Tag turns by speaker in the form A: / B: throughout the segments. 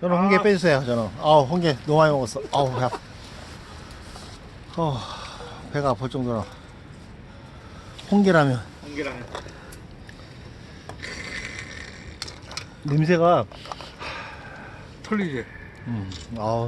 A: 저는 홍게 빼주세요. 저는. 아우 홍게 너무 많이 먹었어. 아우 배 아파. 배가 아플 정도로. 홍게라면
B: 홍게라면.
A: 냄새가
C: 틀리지.
A: 아우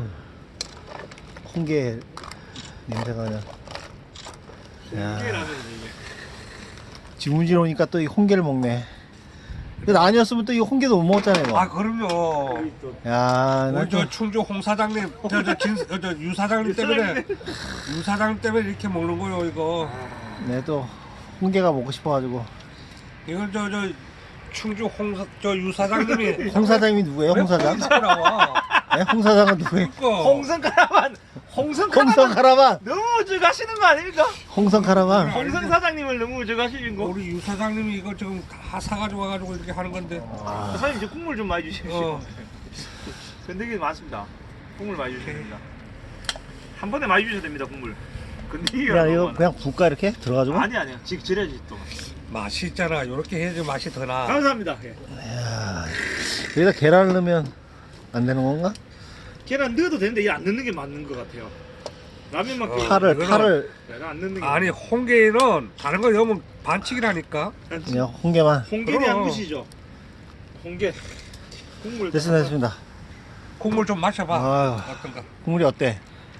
A: 홍게 냄새가 그냥. 야,
B: 홍게라면이지 이게.
A: 지문질 오니까 또 이 홍게를 먹네. 근데 아니었으면 또 이 홍게도 못 먹었잖아요. 이거.
C: 아 그럼요.
B: 여기 또
A: 야,
C: 우리 저 충주 홍 사장님, 유 사장님 때문에 유 사장님 때문에 이렇게 먹는 거요 이거.
A: 내또 홍게가 먹고 싶어가지고.
C: 이건 저 충주 유 사장님이
A: 홍 사장님이 누구예요? 홍 사장?
C: 나와.
A: 네? 홍 사장은 누구예요?
C: 그러니까.
B: 홍성 카라반. 홍성 카라반.
A: 홍성 카라반.
B: 너무 우죽하시는 거 아닙니까?
A: 홍성 카라반.
B: 홍성 사장님을 너무 우죽하시는 거.
C: 우리 유 사장님이 이거 지금 다 사가지고 와가지고 이렇게 하는 건데.
B: 사장님 이제 국물 좀 많이 주십시오.
C: 어.
B: 건더기 많습니다. 국물 많이 주셔야 됩니다. 한 번에 많이 주셔야 됩니다 국물. 건더기가
A: 그냥
B: 너무
A: 이거
B: 많아.
A: 그냥 붓까 이렇게 들어가지고.
B: 아니 아니요. 지금 절여야지 또.
C: 맛이 있잖아. 이렇게 해야지 맛이 더 나.
B: 감사합니다. 예.
A: 이야, 여기다 계란을 넣으면 안 되는 건가?
B: 계란 넣어도 되는데 얘 안 넣는 게 맞는 것 같아요. 라면만큼
A: 파를
B: 내가 안 넣는 게
C: 아니 홍게는 다른 거 넣으면 반칙이라니까.
A: 그냥 홍게만.
B: 홍게에 대한
C: 그럼.
B: 무시죠. 홍게 국물
A: 됐습니다.
C: 국물 좀 마셔봐.
A: 아유.
C: 어떤가?
A: 국물이 어때?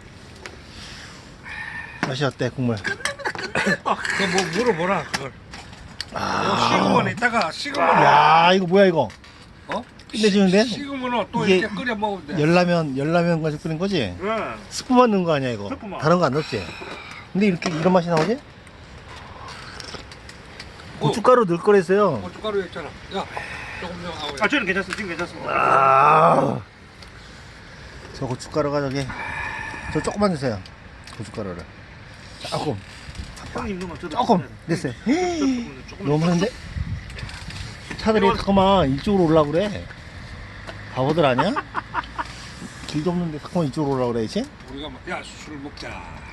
A: 맛이 어때 국물?
C: 그거 뭐 물어보라 그걸. 식으면 이따가 식으면
A: 야 이거 뭐야 이거?
C: 어?
A: 끝내주는데?
C: 식으면 또
A: 이게
C: 이렇게 끓여 먹으면 돼.
A: 열라면 가지고 끓인 거지?
B: 네.
A: 스프만 넣은 거 아니야 이거?
B: 스프만.
A: 다른 거 안 넣었지? 근데 이렇게 이런 맛이 나오지? 고춧가루 넣을 거랬어요.
C: 고춧가루 했잖아. 야 조금 좀 하고.
B: 아 저는 괜찮습니다. 지금 괜찮습니다.
A: 아, 저 고춧가루가 저 조금만 주세요. 고춧가루를 조금
B: 형님 넣으면 저도
A: 조금 됐어요.
B: 조금
A: 너무 많은데? 차들이 잠깐만 이쪽으로 올라고 그래. 바보들 아니야? 길도 없는데 잠깐만 이쪽으로 올라고 그래야지.
C: 우리가 야술 먹자.